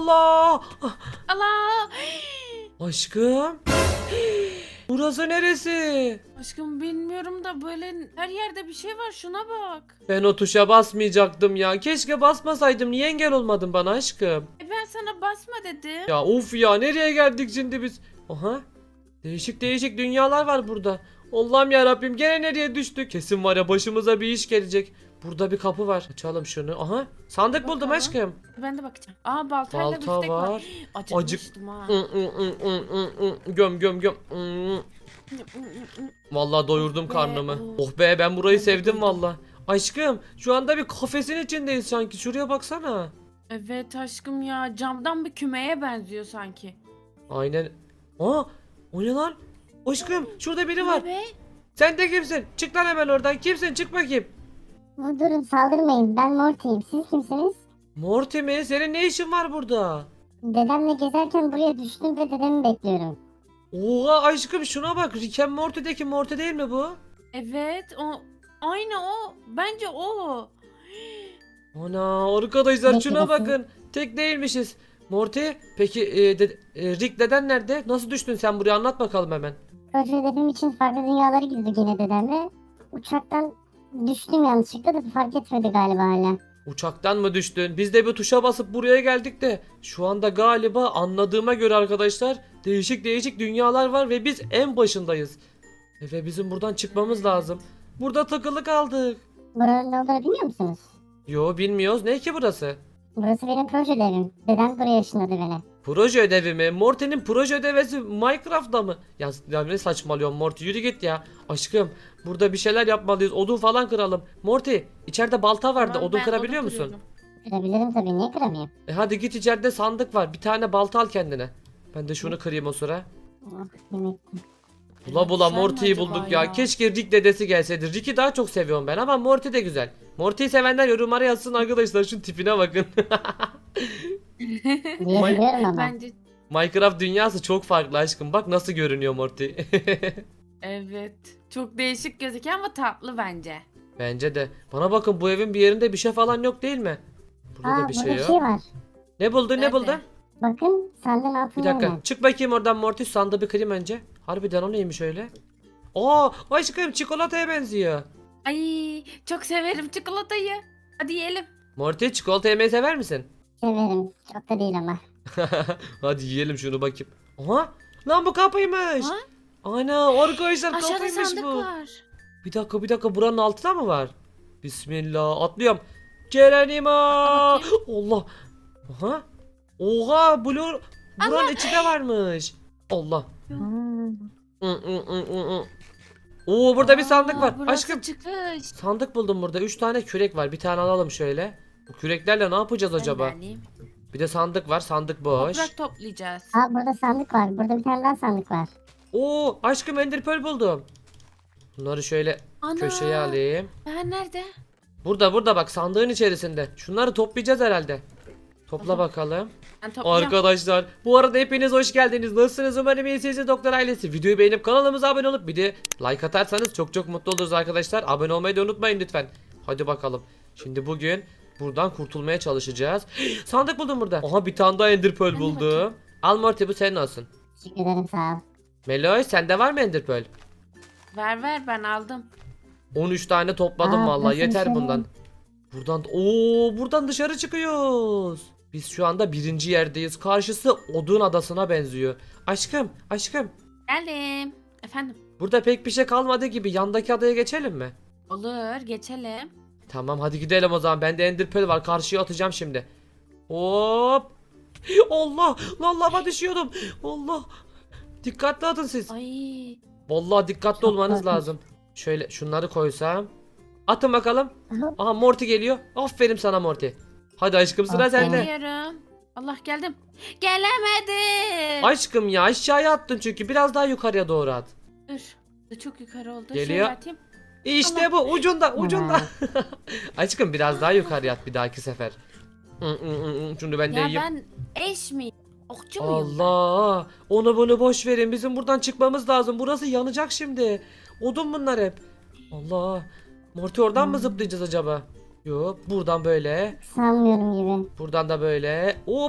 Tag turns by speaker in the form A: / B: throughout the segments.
A: Allah.
B: Allah.
A: Aşkım. Burası neresi?
B: Aşkım bilmiyorum da böyle her yerde bir şey var, şuna bak.
A: Ben o tuşa basmayacaktım ya. Keşke basmasaydım. Niye engel olmadın bana aşkım?
B: Ben sana basma dedim.
A: Ya of ya, nereye geldik şimdi biz? Aha. Değişik değişik dünyalar var burada. Allah'ım ya Rabbim, gene nereye düştük? Kesin var ya, başımıza bir iş gelecek. Burada bir kapı var. Açalım şunu. Aha. Sandık buldum
B: Bakalım.
A: aşkım.
B: Ben de bakacağım. Aa, baltayla
A: Balta
B: biftek var.
A: var.
B: Acıkmıştım ha.
A: Göm göm göm. Vallahi doyurdum karnımı. Oh be, ben burayı
B: Ben de
A: sevdim
B: doydum.
A: valla. Aşkım şu anda bir kafesin içindeyiz sanki. Şuraya baksana.
B: Evet aşkım ya, camdan bir kümeye benziyor sanki.
A: Aynen. Aa, o ne lan? Aşkım şurada biri var.
B: Ne be?
A: Sen de kimsin? Çık lan hemen oradan. Kimsin? Çık bakayım.
C: Durun, saldırmayın. Ben Morty'yim. Siz kimsiniz?
A: Morty mi? Senin ne işin var burada?
C: Dedemle gezerken buraya düştüm ve dedemi bekliyorum.
A: Oha aşkım, şuna bak. Rick and Morty'deki Morty değil mi bu?
B: Evet, o aynı o. Bence o.
A: Ana arkadaşlar,
C: Ne
A: şuna
C: diyorsun?
A: bakın. Tek değilmişiz. Morty, peki Rick deden nerede? Nasıl düştün sen buraya, anlat bakalım hemen.
C: Proje dedem için farklı dünyalara gittik yine dedemle. Uçaktan düştüm yanlışlıkla da fark etmedi galiba hala.
A: Uçaktan mı düştün? Biz de bir tuşa basıp buraya geldik de şu anda galiba, anladığıma göre arkadaşlar, değişik değişik dünyalar var ve biz en başındayız. Ve bizim buradan çıkmamız lazım. Burada takılı kaldık.
C: Buranın ne olduğunu biliyor musunuz?
A: Yo, bilmiyoruz. Ne ki burası?
C: Burası benim proje evim. Dedem buraya ışınladı beni.
A: Proje ödevi mi? Morty'nin proje ödevisi Minecraft'ta mı? Ya ne saçmalıyorsun Morty, yürü git ya. Aşkım burada bir şeyler yapmalıyız. Odun falan kıralım. Morty, içeride balta vardı.
B: Tamam,
A: Odun
B: ben
A: kırabiliyor musun?
B: kırıyorum.
C: Kırabilirim tabii, niye kıramayayım?
A: Hadi git, içeride sandık var. Bir tane balta al kendine. Ben de şunu kırayım o sıra.
C: Oh, yemek.
A: Bula bula
B: Güzel mi
A: Morty'yi
B: acaba
A: bulduk ya.
B: ya?
A: Keşke Rick dedesi gelseydi. Rick'i daha çok seviyorum ben ama Morty de güzel. Morty'yi sevenler yorumlara yazsın arkadaşlar. Şunun tipine bakın.
C: Diyebiliyorum ama.
B: Bence
A: Minecraft dünyası çok farklı aşkım. Bak nasıl görünüyor Morty.
B: evet. Çok değişik gözüküyor ama tatlı bence.
A: Bence de. Bana bakın, bu evin bir yerinde bir şey falan yok değil mi? Burada da
C: Aa,
A: bir
C: burada
A: şey
C: bir
A: yok.
C: şey var.
A: Ne buldun, ne
B: Nerede?
A: buldun?
C: Bakın, sandığın
A: Bir
C: altında
A: dakika.
C: hemen.
A: Çık bakayım oradan Morty. Sandığı bir kırayım önce. Harbiden o neymiş öyle? Aa aşkım, çikolataya benziyor.
B: Ay, çok severim çikolatayı. Hadi yiyelim.
A: Morty, çikolata yemeyi sever misin?
C: Severim. Çok da değil ama.
A: Hadi yiyelim şunu bakayım. Aha! Lan bu kapıymış.
B: Ha?
A: Ana arkadaşlar,
B: Aşağıda
A: kapıymış
B: sandık
A: bu.
B: var.
A: Bir dakika, buranın altında mı var? Bismillah, atlıyorum. Cerenima.
B: bakayım.
A: Allah. Aha. Oha, buranın içinde varmış. Allah.
C: Hmm.
A: Oo, burada bir sandık
B: Aa,
A: var.
B: burası
A: Aşkım,
B: çıkış.
A: sandık buldum burada. 3 tane kürek var. Bir tane alalım şöyle. Bu küreklerle ne yapacağız acaba?
B: Ben de alayım.
A: Bir de sandık var. Sandık boş.
B: Toprak toplayacağız.
C: Aa, burada sandık var. Burada bir tane daha sandık var.
A: Oo, aşkım ender pearl buldum. Bunları şöyle
B: Ana.
A: köşeye alayım.
B: Ben nerede?
A: Burada bak, sandığın içerisinde. Şunları toplayacağız herhalde. Topla
B: Tamam.
A: bakalım.
B: Ben toplayacağım.
A: Arkadaşlar bu arada hepiniz hoş geldiniz. Nasılsınız? Umarım iyisiniz doktor ailesi. Videoyu beğenip kanalımıza abone olup bir de like atarsanız çok çok mutlu oluruz arkadaşlar. Abone olmayı da unutmayın lütfen. Hadi bakalım. Şimdi bugün buradan kurtulmaya çalışacağız. Sandık buldum burada. Aha, bir tane daha ender pearl
B: Ben de
A: buldum.
B: bakayım.
A: Al Morty, bu senin olsun.
C: Teşekkür ederim, sağ ol.
A: Meloy, sende var mı ender pearl?
B: Ver ben aldım.
A: 13 tane topladım
C: Aa,
A: vallahi,
C: burası
A: yeter
C: dışarı.
A: bundan. Buradan dışarı çıkıyoruz. Biz şu anda birinci yerdeyiz. Karşısı odun adasına benziyor. Aşkım,
B: Geldim. Efendim.
A: burada pek bir şey kalmadı gibi. Yandaki adaya geçelim mi?
B: Olur, geçelim.
A: Tamam, hadi gidelim o zaman. Bende ender pearl var. Karşıya atacağım şimdi. Hop. Allah, lan lava düşüyordum. Allah. Dikkatli atın siz.
B: Ay.
A: Vallahi dikkatli
C: Çok
A: olmanız
C: korkunç.
A: lazım. Şöyle şunları koysam. Atın bakalım.
C: Aha.
A: Aha, Morty geliyor. Aferin sana Morty. Hadi aşkım, sıra
C: Aferin.
A: sende.
B: Geliyorum. Allah, geldim. Gelemedim.
A: Aşkım ya, aşağıya attın çünkü. Biraz daha yukarıya doğru at.
B: Dur. Çok yukarı oldu.
A: Geliyor.
B: Şöyle atayım.
A: İşte bu, ucunda. Aşkım biraz daha yukarıya at bir dahaki sefer. Şunu ben de
B: Ya
A: yiyeyim.
B: ben eş miyim? Okçu muyum ben?
A: Allah. Onu bunu boş verin. Bizim buradan çıkmamız lazım. Burası yanacak şimdi. Odun bunlar hep. Allah. Morty oradan mı zıplayacağız acaba? Yok, buradan böyle.
C: Sanmıyorum gibi.
A: Buradan da böyle. Hop.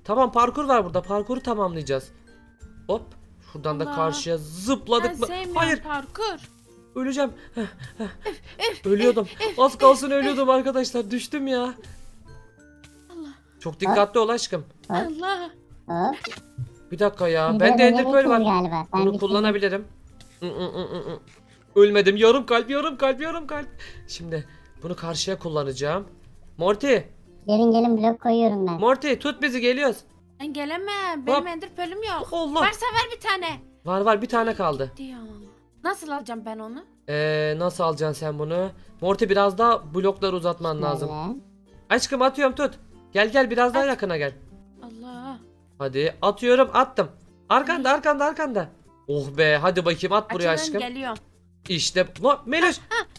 A: Tamam, parkur var burada. Parkuru tamamlayacağız. Hop. Şuradan da
B: Allah.
A: karşıya
B: Ben
A: zıpladık mı?
B: sevmiyorum
A: Hayır,
B: parkur.
A: öleceğim. Ölüyordum. Az kalsın ölüyordum arkadaşlar. Düştüm ya.
B: Allah.
A: Çok dikkatli ol aşkım.
B: Allah.
C: Hop.
A: Bir dakika ya.
C: Bir
A: Bende
C: de
A: ender pearl
C: bitti
A: var.
C: galiba. Ben
A: Bunu
C: bitirdim.
A: kullanabilirim. Ölmedim. Yarım kalp, yarım kalp, yarım kalp. Şimdi bunu karşıya kullanacağım. Morty,
C: Gelin blok koyuyorum ben.
A: Morty tut bizi, geliyoruz.
B: Ben gelemem. Benim
A: Hop.
B: ender pearl'üm yok.
A: Allah.
B: Varsa ver bir tane.
A: Var bir tane kaldı.
B: Diyor. Nasıl alacağım ben onu?
A: Nasıl alacaksın sen bunu? Morty biraz daha blokları uzatman lazım.
C: Böyle.
A: Aşkım atıyorum, tut. Gel biraz daha yakına gel.
B: Allah.
A: Hadi atıyorum, attım. Arkanda. Oh be, hadi bakayım, at buraya
B: Açılın,
A: aşkım.
B: geliyorum.
A: İşte lan Meloş.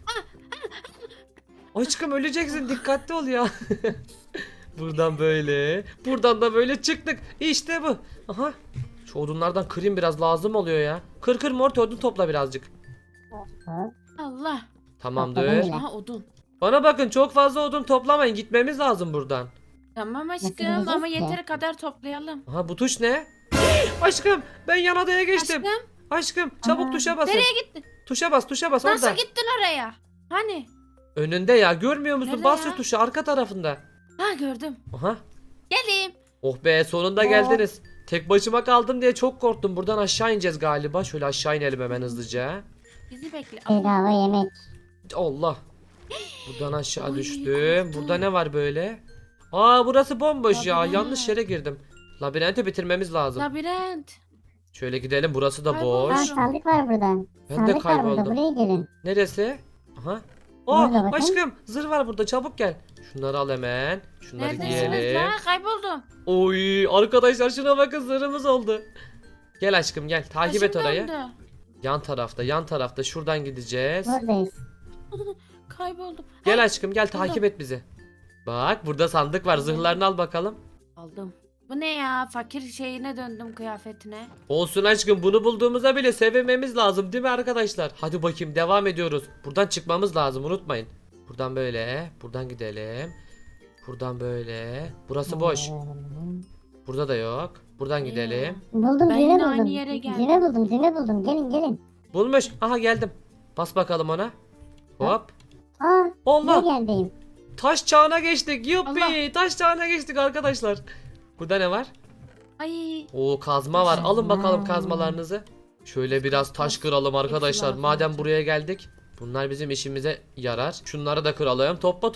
A: Aşkım öleceksin, dikkatli ol ya. Buradan böyle. Buradan da böyle çıktık. İşte bu. Aha. Şu odunlardan kırayım, biraz lazım oluyor ya. Kır Morty, odun topla birazcık.
C: Hop.
B: Allah.
A: Tamamdır.
C: Topladım bile.
B: Aha odun.
A: Bana bakın, çok fazla odun toplamayın, gitmemiz lazım buradan.
B: Tamam aşkım
C: gideceğiz
B: ama
C: ki?
B: yeteri kadar toplayalım.
A: Aha, bu tuş ne? Aşkım, ben yan adaya geçtim. Aşkım çabuk
C: Aa,
A: tuşa basın.
B: Nereye gittin?
A: Tuşa bas
B: Nasıl
A: orada.
B: gittin oraya? Hani?
A: Önünde ya, görmüyor musun?
B: Nerede
A: Bas
B: ya?
A: şu tuşa, arka tarafında.
B: Ha gördüm.
A: Aha.
B: Geleyim.
A: Oh be, sonunda geldiniz. Tek başıma kaldım diye çok korktum. Buradan aşağı ineceğiz galiba. Şöyle aşağı inelim hemen hızlıca.
B: Bizi bekle.
C: Bedava yemek.
A: Allah. Buradan aşağı
B: Ay,
A: düştüm.
B: korktum.
A: Burada ne var böyle? Aa, burası bomboş ya.
B: Labirent.
A: Yanlış yere girdim. Labirenti bitirmemiz lazım.
B: Labirent.
A: Şöyle gidelim. Burası da
B: Kaybolmuş.
A: boş.
C: Aa, sandık var burada.
A: Ben de
C: Sandık var burada.
A: kayboldum.
C: Buraya gelin.
A: Neresi? Aha.
C: Burada
A: Aa,
C: bakın.
A: aşkım zırh var burada, çabuk gel. Şunları al hemen. Şunları
B: Neredesiniz
A: giyelim.
B: lan? Kayboldum.
A: Oy arkadaşlar, şuna bakın, zırhımız oldu. Gel aşkım gel, takip et
B: Başım
A: orayı.
B: döndü.
A: Yan tarafta şuradan gideceğiz.
C: Buradayız.
B: Kayboldum.
A: Gel
B: Ha,
A: aşkım gel, takip
B: buldum.
A: et bizi. Bak burada sandık var, zırhlarını al bakalım.
B: aldım. Bu ne ya? Fakir şeyine döndüm, kıyafetine.
A: Olsun aşkım, bunu bulduğumuza bile sevinmemiz lazım değil mi arkadaşlar? Hadi bakayım, devam ediyoruz. Buradan çıkmamız lazım, unutmayın. Buradan böyle, buradan gidelim. Buradan böyle. Burası boş. Burada da yok. Buradan gidelim.
C: Buldum
B: Ben
C: düğme
B: yine
C: buldum.
B: aynı yere geldim.
C: Düğme buldum. Gelin.
A: Bulmuş. Aha, geldim. Bas bakalım ona. Hop.
C: Aa,
A: Allah.
C: ne geldiyim.
A: Taş çağına geçtik. Yuppi.
B: Allah.
A: Taş çağına geçtik arkadaşlar. Burada ne var?
B: Ay.
A: Oo, kazma var. Alın bakalım kazmalarınızı. Şöyle biraz taş kıralım arkadaşlar.
B: lazım
A: Madem
B: olacak.
A: buraya geldik. Bunlar bizim işimize yarar. Şunları da kıralım.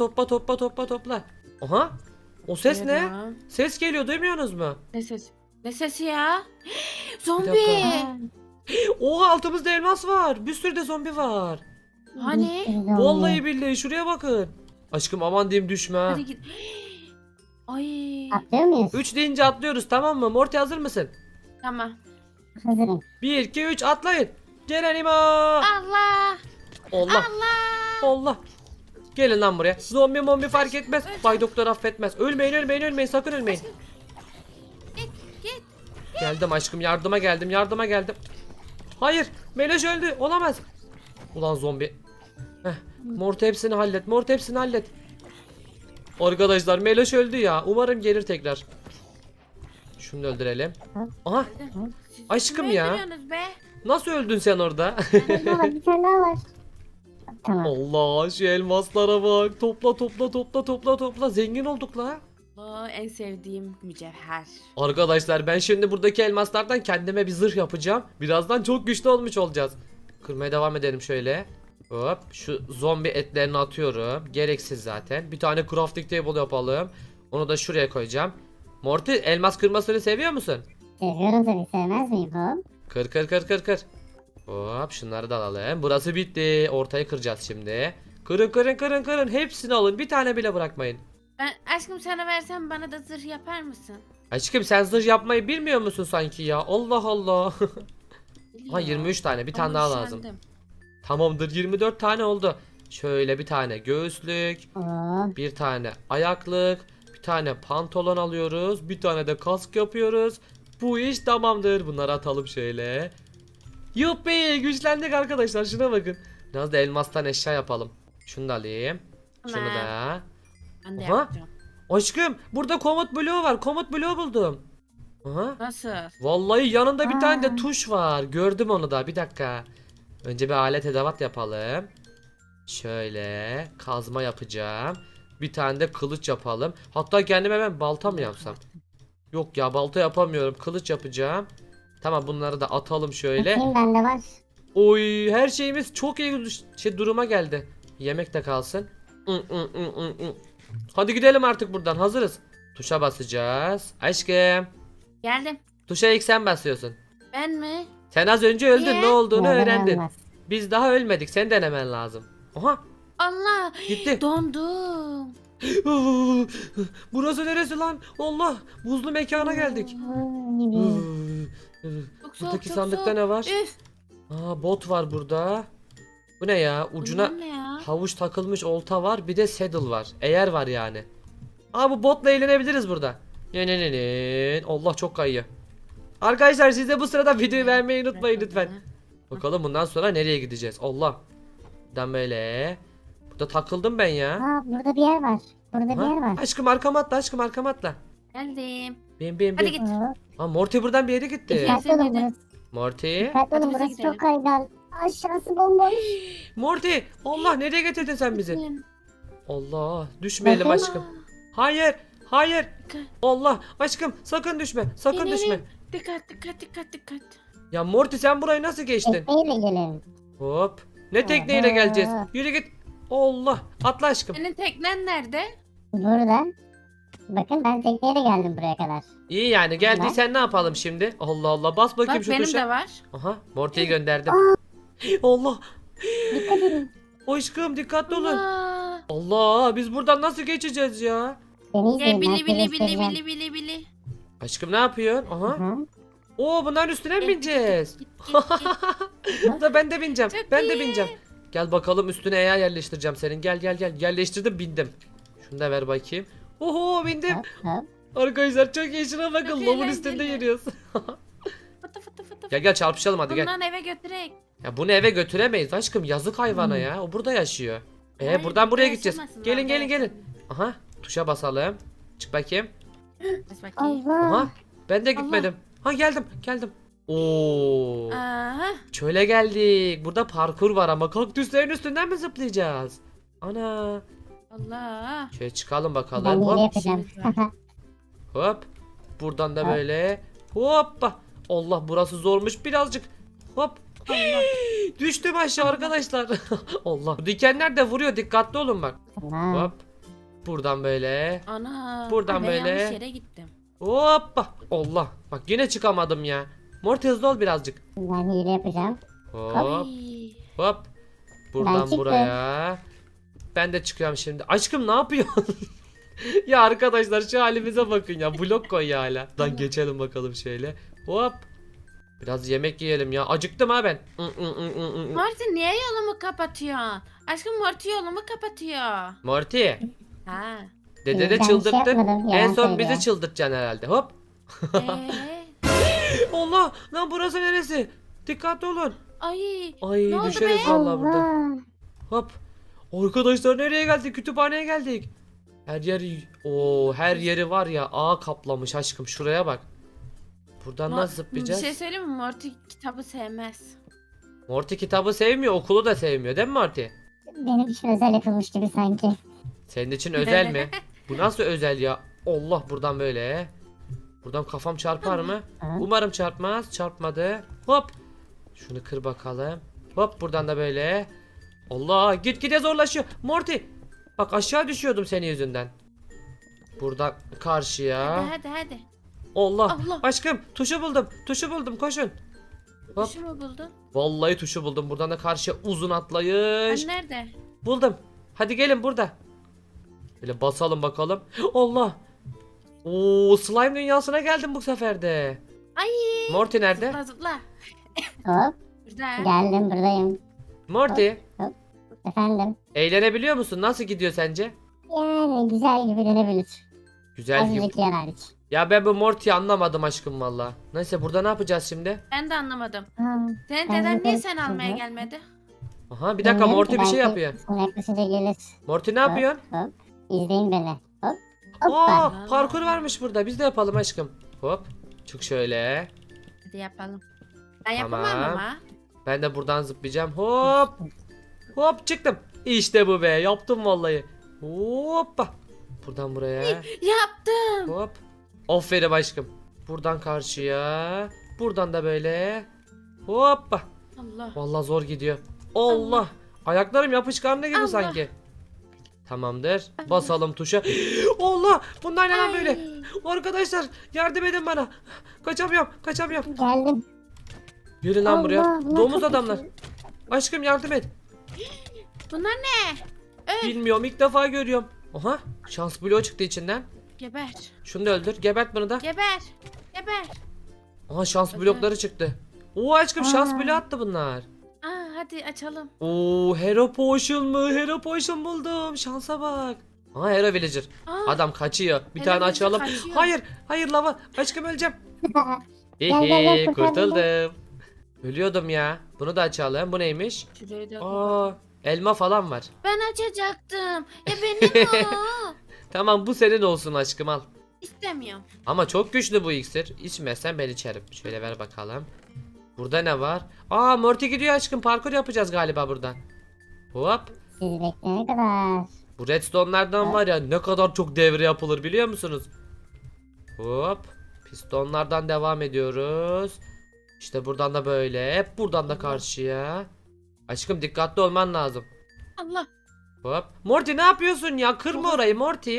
A: Topla. Aha. O ses ne?
B: Tamam.
A: Ses geliyor, duymuyorsunuz mu?
B: Ne ses? Ne sesi ya? Zombi.
A: dakika. Oha, altımızda elmas var. Bir sürü de zombi var.
B: Hani?
A: Vallahi billahi, şuraya bakın. Aşkım aman diyeyim, düşme ha.
B: Hadi git. Ay.
C: Atlıyor muyuz?
A: 3 deyince atlıyoruz, tamam mı? Morty hazır mısın?
B: Tamam.
C: Hazırım.
A: 1 2 3 atlayın. Gelenima.
B: Allah.
A: Allah. Allah. Gelin lan buraya. Zombi mombi fark etmez. Bay Doktor affetmez. Ölmeyin, sakın ölmeyin.
B: Git.
A: Geldim aşkım, yardıma geldim. Hayır, Meloş öldü. Olamaz. Ulan zombi. Morty hepsini hallet. Arkadaşlar Meloş öldü ya. Umarım gelir tekrar. Şunu da öldürelim. Aha,
B: Siz
A: Aşkım
B: kimi
A: ya.
B: öldürüyorsunuz be?
A: nasıl öldün sen orada?
C: Bir tane daha var. Tamam.
A: Allah, şu elmaslara bak. Topla. Zengin olduk la.
B: Allah, en sevdiğim mücevher.
A: Arkadaşlar ben şimdi buradaki elmaslardan kendime bir zırh yapacağım. Birazdan çok güçlü olmuş olacağız. Kırmaya devam edelim şöyle. Hop, şu zombi etlerini atıyorum. Gereksiz zaten. Bir tane crafting table yapalım. Onu da şuraya koyacağım. Morty, elmas kırmasını seviyor musun?
C: Seviyorum tabii. Sevmez miyim? Hop.
A: Kır. Hop, şunları da alalım. Burası bitti. Ortayı kıracağız şimdi. Kırın. Hepsini alın. Bir tane bile bırakmayın.
B: Ben aşkım sana versem bana da zırh yapar mısın?
A: Aşkım sen zırh yapmayı bilmiyor musun sanki ya? Allah Allah. Ha,
B: Biliyor.
A: 23 tane, bir tane
B: Ama
A: daha lazım.
B: üşendim.
A: Tamamdır, 24 tane oldu. Şöyle bir tane göğüslük,
C: Hop.
A: bir tane ayaklık, bir tane pantolon alıyoruz, bir tane de kask yapıyoruz. Bu iş tamamdır. Bunları atalım şöyle. Yuppi, güçlendik arkadaşlar, şuna bakın. Biraz da elmastan eşya yapalım. Şunu da alayım. Şunu
B: Tamam.
A: da.
B: Ben de
A: Aha.
B: yapacağım.
A: Aşkım burada komut bloğu var. Komut bloğu buldum. Aha.
B: Nasıl?
A: Vallahi yanında bir tane de
C: Aa.
A: tuş var. Gördüm onu da. Bir dakika. Önce bir alet edevat yapalım. Şöyle kazma yapacağım. Bir tane de kılıç yapalım. Hatta kendime ben balta mı yapsam? Yok ya, balta yapamıyorum. Kılıç yapacağım. Tamam, bunları da atalım şöyle.
C: Bakayım bende var.
A: Oy, her şeyimiz çok iyi duruma geldi. Yemek de kalsın. Hadi gidelim artık buradan. Hazırız. Tuşa basacağız. Aşkım.
B: Geldim.
A: Tuşa ilk sen basıyorsun.
B: Ben mi?
A: Sen az önce öldün.
B: Niye?
A: Ne olduğunu
C: Neden
A: öğrendin.
C: olmaz?
A: Biz daha ölmedik. Sen denemen lazım. Oha,
B: Allah.
A: gitti.
B: Dondum.
A: Burası neresi lan? Allah, buzlu mekana geldik.
B: Çok soğuk,
A: Buradaki
B: çok
A: sandıkta
B: soğuk.
A: ne var?
B: Üf.
A: Aa, bot var burada. Bu ne ya? Ucuna
B: Bunlar ne ya?
A: havuç takılmış olta var. Bir de saddle var. Eğer var yani. Aa, bu botla eğlenebiliriz burada. Ne. Allah, çok kayıyor. Arkadaşlar siz de bu sırada videoyu beğenmeyi unutmayın lütfen. Bakalım bundan sonra nereye gideceğiz? Allah. Buradan böyle. Burada takıldım ben ya.
C: Aa, burada bir yer var. Burada bir yer
A: Ha?
C: var.
A: Aşkım arkama atla, aşkım arkama atla.
B: Geldim.
A: Bin.
B: Hadi git.
C: Oo,
A: Aa, Morty buradan bir yere gitti.
C: dikkatli olun
B: Sen de.
C: burası.
A: Morty.
C: Dikkatli olun
B: Hadi bize
C: burası
B: gidelim.
C: çok kaygan. Aşağısı bomboş.
A: Morty. Allah, nereye getirdin sen bizi?
B: Gittim.
A: Allah, düşmeyelim
C: Bakın.
A: aşkım. Hayır. Hayır.
B: Dikkat.
A: Allah, aşkım sakın düşme. Sakın
B: İnelim.
A: düşme.
B: Dikkat.
A: Ya Morty, sen burayı nasıl geçtin?
C: Tekneyle gelin.
A: Hop. Ne tekneyle
C: Aha.
A: geleceğiz? Yürü git. Allah. Atla aşkım.
B: Senin teknen nerede?
C: Burada. Bakın ben tekneyle geldim buraya kadar.
A: İyi yani, geldiysen ne yapalım şimdi? Allah Allah, bas bakayım
B: Bak
A: şu
B: benim
A: tuşa.
B: de var.
A: Aha, Morty'yi gönderdim. Allah.
C: Dikkat edin.
A: Aşkım dikkatli olun.
B: Allah.
A: Allah, biz buradan nasıl geçeceğiz ya?
C: Beni izleyin. ben
B: Bili
C: size
B: bili
C: göstereceğim.
B: bili.
A: Aşkım ne yapıyorsun? Aha.
C: Aha.
A: Oo, bunların üstüne mi bineceğiz?
B: Git.
A: Da ben de bineceğim.
B: Çok
A: Ben de
B: iyi.
A: bineceğim. Gel bakalım, üstüne eğer yerleştireceğim senin. Gel. Yerleştirdim, bindim. Şunu da ver bakayım. Oho, bindim.
C: Hop hop.
A: Arkadaşlar çok iyi, şuna bakın.
B: Çok
A: Lavın
B: eğlenceli.
A: üstünde yürüyoruz.
B: Fıtı.
A: Gel çarpışalım hadi gel.
B: Bundan eve götürek.
A: Ya bunu eve götüremeyiz aşkım, yazık hayvana ya. O burada yaşıyor.
B: Hayır,
A: Buradan buraya
B: burada
A: gideceğiz.
B: yaşamasın,
A: Gelin
B: orada
A: gelin. Aha, tuşa basalım. Çık bakayım.
B: Bas bakayım.
C: Allah.
A: Aha, ben de gitmedim. Ha, geldim. Oo.
B: Aha.
A: Çöle geldik. Burada parkur var ama kaktüslerin üstünden mi zıplayacağız? Ana.
B: Allah.
A: Şöyle çıkalım
C: Ben
A: bakalım.
C: hile
A: Hop
C: yapacağım.
B: işimiz var.
A: hop. Buradan da
C: Hop.
A: böyle. Hoppa. Allah, burası zormuş birazcık. Hop. Düştüm aşağı arkadaşlar. Allah. Dikenler de vuruyor, dikkatli olun bak.
C: Tamam.
A: Hop. Buradan böyle.
B: Ana.
A: Buradan
B: ben
A: böyle.
B: yanlış yere gittim.
A: Hoppa. Allah. Bak yine çıkamadım ya. Morty hızlı ol birazcık.
C: Ben hile yapacağım.
A: Hop.
B: Ay.
A: Hop.
C: Ben
A: Buradan
C: çıktım.
A: buraya. Ben de çıkıyorum şimdi. Aşkım ne yapıyorsun? Ya arkadaşlar şu halimize bakın ya. Blok koy ya hala. Buradan geçelim bakalım şöyle. Hop. Biraz yemek yiyelim ya. Acıktım ha ben.
B: Marty niye yolumu kapatıyorsun? Aşkım Marty yolumu kapatıyor.
A: Morty.
B: Ha.
A: Dede
C: Ben
A: de
C: bir şey
A: çıldırttın.
C: yapmadım,
A: En
C: yalan
A: son
C: söylüyor.
A: bizi çıldırtacaksın herhalde. Hop. Allah. Lan burası neresi? Dikkatli olun.
B: Ay.
A: Ay
B: Ne oldu
A: düşeriz
B: be?
A: vallahi burada.
C: Allah.
A: Hop. Arkadaşlar nereye geldik? Kütüphaneye geldik. Her yeri var ya, ağ kaplamış aşkım, şuraya bak. Buradan nasıl
B: Bir
A: zıplayacağız?
B: şey söyleyeyim mi? Marty kitabı sevmez.
A: Morty kitabı sevmiyor, okulu da sevmiyor değil mi Morty?
C: Benim için özel yapılmış gibi sanki.
A: Senin için özel mi? Bu nasıl özel ya? Allah, buradan böyle. Buradan kafam çarpar mı?
C: Hı.
A: Umarım çarpmaz. Çarpmadı. Hop. Şunu kır bakalım. Hop, buradan da böyle. Allah, gitgide zorlaşıyor. Morty. Bak aşağı düşüyordum senin yüzünden. Buradan karşıya.
B: Hadi.
A: Allah.
B: Allah.
A: Aşkım tuşu buldum. Koşun. Hop.
B: Kuşu mu buldun?
A: Vallahi tuşu buldum. Buradan da karşıya uzun
B: Ben
A: atlayış.
B: nerede?
A: Buldum. Hadi gelin burada. Böyle basalım bakalım. Allah. Oo, slime dünyasına geldim bu sefer de.
B: Ay.
A: Morty nerede?
B: Zıpla.
C: Hop.
B: Burada.
C: Geldim buradayım.
A: Morty,
C: Efendim.
A: eğlenebiliyor musun? Nasıl gidiyor sence?
C: Yani güzel gibi denebilir.
A: Güzel gibi.
C: Azıcık yer hariç.
A: Ya ben bu Morty'yi anlamadım aşkım valla. Neyse, burada ne yapacağız şimdi?
B: Ben de anlamadım.
C: Ha,
B: Senin
C: Ben
B: deden niye
C: yukarı
B: sen almaya
C: çıktım.
B: gelmedi?
A: Aha, bir dakika,
C: bilmiyorum
A: Morty
C: ki,
A: bir şey
C: belki
A: yapıyor.
C: Sonra yaklaşınca gelir.
A: Morty ne yapıyorsun?
C: Hop. İzleyin beni. Hop. Hoppa.
A: Parkur varmış burada. Biz de yapalım aşkım. Hop. Çık şöyle.
B: Hadi yapalım. Ben
A: Tamam.
B: yapamam ama.
A: Ben de buradan zıplayacağım. Hop. Hop çıktım. İşte bu be. Yaptım vallahi. Hoppa. Buradan buraya.
B: Yaptım.
A: Hop. Aferin aşkım. Buradan karşıya. Buradan da böyle. Hoppa.
B: Allah.
A: Vallahi zor gidiyor. Allah. Ayaklarım yapışkanlı gibi
B: Allah.
A: sanki. Tamamdır. Basalım tuşa. Allah. Bunlar ne lan böyle?
B: Ay.
A: Arkadaşlar yardım edin bana. Kaçamıyorum. Kaçamıyorum.
C: Geldim.
A: Yürü lan buraya.
C: Allah, bunlar
A: Domuz
C: çok
A: adamlar.
C: güçlü.
A: Aşkım yardım et.
B: Bunlar ne?
A: Bilmiyorum ilk defa görüyorum. Oha. Şans bloğu çıktı içinden.
B: Geber.
A: Şunu da öldür. Gebert bunu da.
B: Geber. Geber.
A: Aha şans
B: Öldür.
A: blokları çıktı. Oo aşkım şans
C: Aa.
A: bloğu attı bunlar.
B: Aa, hadi açalım.
A: Oo Hero Potion mu? Hero Potion buldum. Şansa bak. Aha Hero Villager.
B: Aa,
A: Adam kaçıyor. Bir
B: Hero
A: tane
B: Villager
A: açalım.
B: kaçıyor.
A: Hayır. Hayır lava. Aşkım öleceğim.
C: Gel, gel,
A: Hihi
C: kurtar
A: kurtuldum. Ölüyordum ya. Bunu da açalım. Bu neymiş?
B: şurayı da
A: Aa elma falan var.
B: ben açacaktım. Benim o.
A: Tamam bu senin olsun aşkım al.
B: İstemiyorum.
A: Ama çok güçlü bu iksir. İçmezsen ben içerim. Şöyle ver bakalım. Burada ne var? Aa Morty gidiyor aşkım. Parkur yapacağız galiba burada. Hop.
C: Siz bekleyene kadar.
A: Bu redstone'lardan var ya ne kadar çok devre yapılır biliyor musunuz? Hop. Pistonlardan devam ediyoruz. İşte buradan da böyle. Hep buradan da karşıya. Aşkım dikkatli olman lazım.
B: Allah.
A: Hop. Morty ne yapıyorsun ya? Kırma orayı Morty.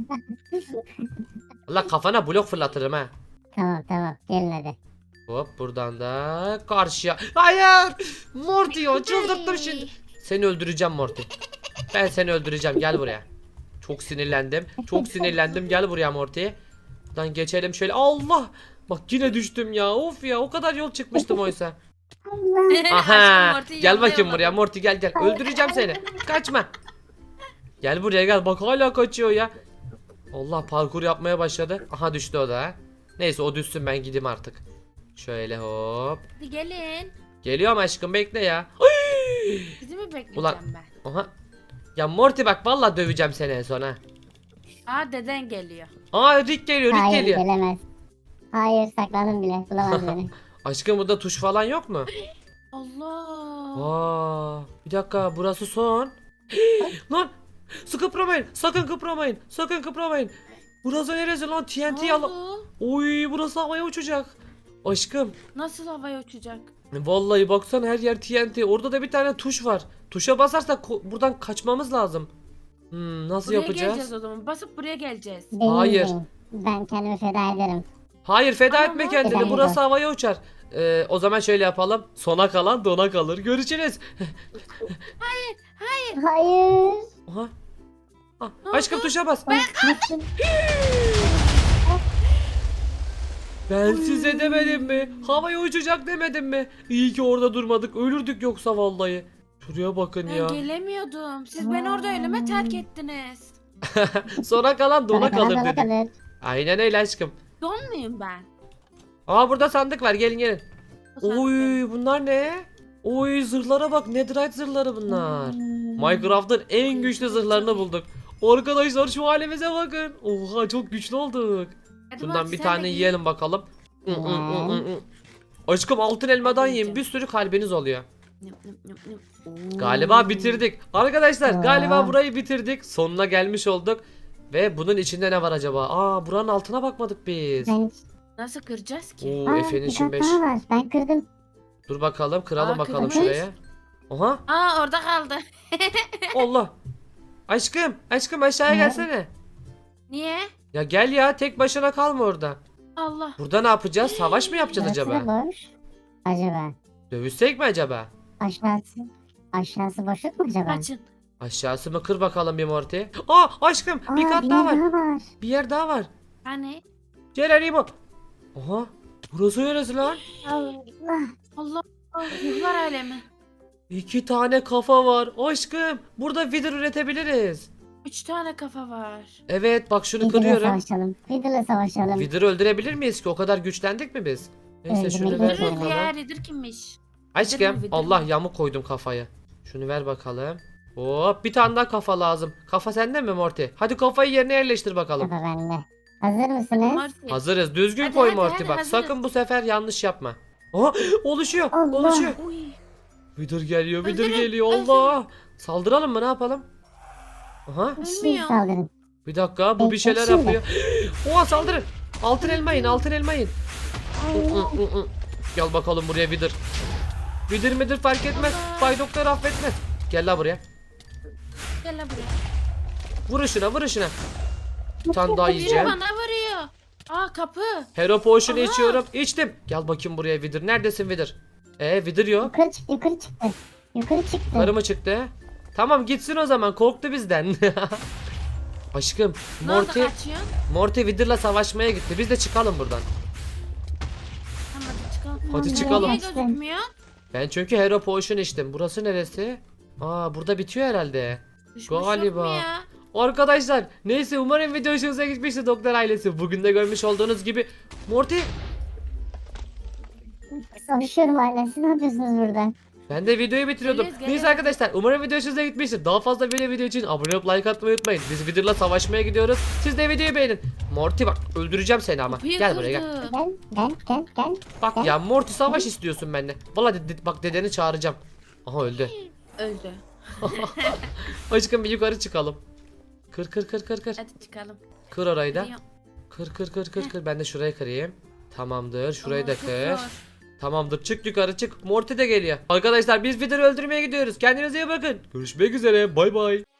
A: Allah kafana blok fırlatırım ha.
C: Tamam tamam gelin hadi.
A: Hop buradan da karşıya. Hayır. Morty ya çıldırttım şimdi. Seni öldüreceğim Morty. Ben seni öldüreceğim gel buraya. Çok sinirlendim. Çok sinirlendim. Gel buraya Morty. Buradan geçelim şöyle. Allah. Bak yine düştüm ya. Of ya o kadar yol çıkmıştım oysa.
C: Allah.
A: Aha.
B: Aşkım, Morty'yi
A: Gel bakayım
B: yollayamadım.
A: buraya Morty gel gel. Öldüreceğim seni. Kaçma. Gel buraya gel. Bak hala kaçıyor ya. Allah parkur yapmaya başladı. Aha düştü o da. Neyse o düşsün ben gideyim artık. Şöyle hop.
B: Hadi gelin.
A: Geliyorum aşkım bekle ya. Ay!
B: Sizi mi bekleyeceğim
A: Ulan.
B: ben?
A: Aha. Ya Morty bak vallahi döveceğim seni en son ha.
B: Aa, deden geliyor.
A: Aa Rick geliyor Rick
C: Hayır
A: geliyor.
C: gelemez. Hayır sakladım bile bulamaz beni.
A: Aşkım burada tuş falan yok mu?
B: Allah.
A: Aa, bir dakika burası son. Lan su kıpramayın sakın kıpramayın sakın kıpramayın. Burası neresi lan TNT
B: Ne
A: yalan.
B: oldu?
A: Oy burası havaya uçacak. Aşkım
B: Nasıl havaya uçacak?
A: vallahi baksana her yer TNT. Orada da bir tane tuş var. Tuşa basarsak buradan kaçmamız lazım. Nasıl
B: Buraya
A: yapacağız?
B: geleceğiz o zaman. Basıp buraya geleceğiz.
C: Değil,
A: Hayır.
C: değil. Ben kendimi feda ederim.
A: Hayır feda
B: Ama
A: etme
B: Morty-
A: kendini.
C: Feda
A: Burası
C: eder.
A: havaya uçar. O zaman şöyle yapalım. Sona kalan dona kalır. Görüşürüz.
C: Hayır.
A: Aha. Ah,
B: Ne
A: aşkım
B: oldu?
A: tuşa bas.
C: Bak, düştüm.
A: Ben size demedim mi? Havaya uçacak demedim mi? İyi ki orada durmadık. Ölürdük yoksa vallahi. Şuraya bakın
B: Ben
A: ya.
B: gelemiyordum. Siz beni orada ölüme terk ettiniz.
A: Sona kalan dona
C: Bana
A: kalır
C: bana
A: dedim.
C: kalır.
A: Aynen öyle aşkım.
B: Don muyum ben?
A: Aa burada sandık var. Gelin gelin.
B: O sandık.
A: Oy bunlar ne? Oy zırhlara bak. Netherite zırhları bunlar. Minecraft'ın en güçlü zırhlarını bulduk. Arkadaşlar şu halimize bakın. Oha çok güçlü olduk.
B: Hadi
A: Bundan
B: Morty,
A: bir
B: sen
A: tane
B: de giy.
A: yiyelim bakalım. Aşkım altın elmadan yiyin. Bir sürü kalbiniz oluyor.
B: Nıp, nıp, nıp, nıp.
A: Galiba bitirdik. Arkadaşlar
C: Aa.
A: galiba burayı bitirdik. Sonuna gelmiş olduk. Ve bunun içinde ne var acaba? Aa buranın altına bakmadık biz.
C: Ben...
B: Nasıl kıracağız ki?
A: Oo
C: Aa,
A: Efe'nin
C: bir
A: için
C: kat
A: 5.
C: daha var. Ben kırdım.
A: Dur bakalım kıralım
B: Aa,
A: bakalım
B: kırmış.
A: şuraya. Oha
B: Aa, orada kaldı.
A: Allah. Aşkım aşağıya
C: Ne?
A: gelsene.
B: Niye?
A: Ya gel ya tek başına kalma orada.
B: Allah.
A: Burada ne yapacağız? Savaş mı yapacağız
C: Burası
A: acaba?
C: da boş. Acaba.
A: Dövüşsek mi acaba?
C: Aşağısı. Aşağısı boşluk mu acaba?
B: Kaçın.
A: Aşağısı mı kır bakalım bir Morty. Aa aşkım bir
C: Aa,
A: kat
C: bir
A: daha
C: yer
A: var.
C: daha var.
A: Bir yer daha var.
B: Hani?
A: Geronimo. Oha. Burası neresi lan?
C: Allah.
B: Allah. Ruhlar alemi.
A: 2 tane kafa var. Aşkım burada wither üretebiliriz.
B: 3 tane kafa var.
A: Evet bak şunu
C: Fiddle'la
A: kırıyorum.
C: savaşalım. Fiddle'la savaşalım.
A: Wither'ı öldürebilir miyiz ki? O kadar güçlendik mi biz? Neyse
C: Öldürmek
A: şunu ver
C: yok.
B: Öldürürüz ya.
A: bakalım.
B: Redir kimmiş?
A: Aşkım
B: Wither mi?
A: Allah yamuk koydum kafaya. Şunu ver bakalım. Hop, bir tane daha kafa lazım. Kafa sende mi Morty? Hadi kafayı yerine yerleştir bakalım.
C: Kafa bende. Hazır mısınız?
B: Morty.
A: Hazırız. Düzgün
B: Hadi,
A: koy
B: hadi,
A: Morty
B: hadi,
A: bak.
B: hazırız.
A: Sakın bu sefer yanlış yapma. Aha, oluşuyor.
C: Allah.
A: Oluşuyor.
B: Uy.
A: Vidir geliyor. Vidir
B: Öldürün,
A: geliyor. Allah. Saldıralım mı? Ne yapalım? Aha.
C: Şimdi
B: Ölmüyor.
C: saldırın.
A: Bir dakika. Bu bir şeyler
C: Şimdi.
A: yapıyor. Oha, saldırın. Altın elma yiyin. Altın elma yiyin. Gel bakalım buraya Vidir. Vidir midir fark etmez.
B: Allah.
A: Bay Doktor affetmez. Gel la buraya.
B: Gel lan buraya.
A: Vurun şuna, vurun şuna. Bir tane daha
B: Biri
A: yiyeceğim.
B: bana vuruyor. Aa kapı.
A: Hero Potion
B: Aha.
A: içiyorum. İçtim. Gel bakayım buraya Vidir. Neredesin Vidir? Vidir yok.
C: Yukarı çıktı, yukarı çıktı. Yukarı çıktı.
A: Karı mı çıktı? Tamam gitsin o zaman. Korktu bizden. Aşkım,
B: Ne oldu
A: Morty,
B: kaçıyorsun?
A: Morty Vidir'la savaşmaya gitti. Biz de çıkalım buradan.
B: Tamam hadi çıkalım.
A: Hadi
C: Tamam,
A: çıkalım.
B: Niye
C: Çıkalım.
B: gözükmüyor?
A: Ben çünkü Hero Potion içtim. Burası neresi? Aa, burada bitiyor herhalde.
B: Düşmüş yok
A: Galiba.
B: mu ya?
A: Arkadaşlar, neyse umarım video hoşunuza gitmiştir Doktor ailesi. Bugün de görmüş olduğunuz gibi Morty,
C: Savaşıyorum hala. Siz ne yapıyorsunuz burada?
A: ben de videoyu bitiriyordum.
B: Geliyoruz,
A: Neyse
B: geliyoruz.
A: arkadaşlar, umarım video hoşunuza gitmiştir. Daha fazla böyle video için abone olup like atmayı unutmayın. Biz Wither'la savaşmaya gidiyoruz. Siz de videoyu beğenin. Morty bak, öldüreceğim seni ama.
B: Kapıyı
A: Gel buraya gel.
B: kırdı.
C: Gel.
A: Bak ya Morty, savaş istiyorsun benimle. Vallahi bak, dedeni çağıracağım. Aha, öldü.
B: Öldü.
A: Aşkım bir yukarı çıkalım. Kır.
B: Hadi çıkalım.
A: Kır orayı da.
B: Gidiyorum.
A: Kır. Ben de şurayı kırayım. Tamamdır. Şurayı da
B: Ama çok
A: kır.
B: zor.
A: Tamamdır. Çık yukarı çık. Morty de geliyor. Arkadaşlar biz Wither'ı öldürmeye gidiyoruz. Kendinize iyi bakın. Görüşmek üzere. Bay bay.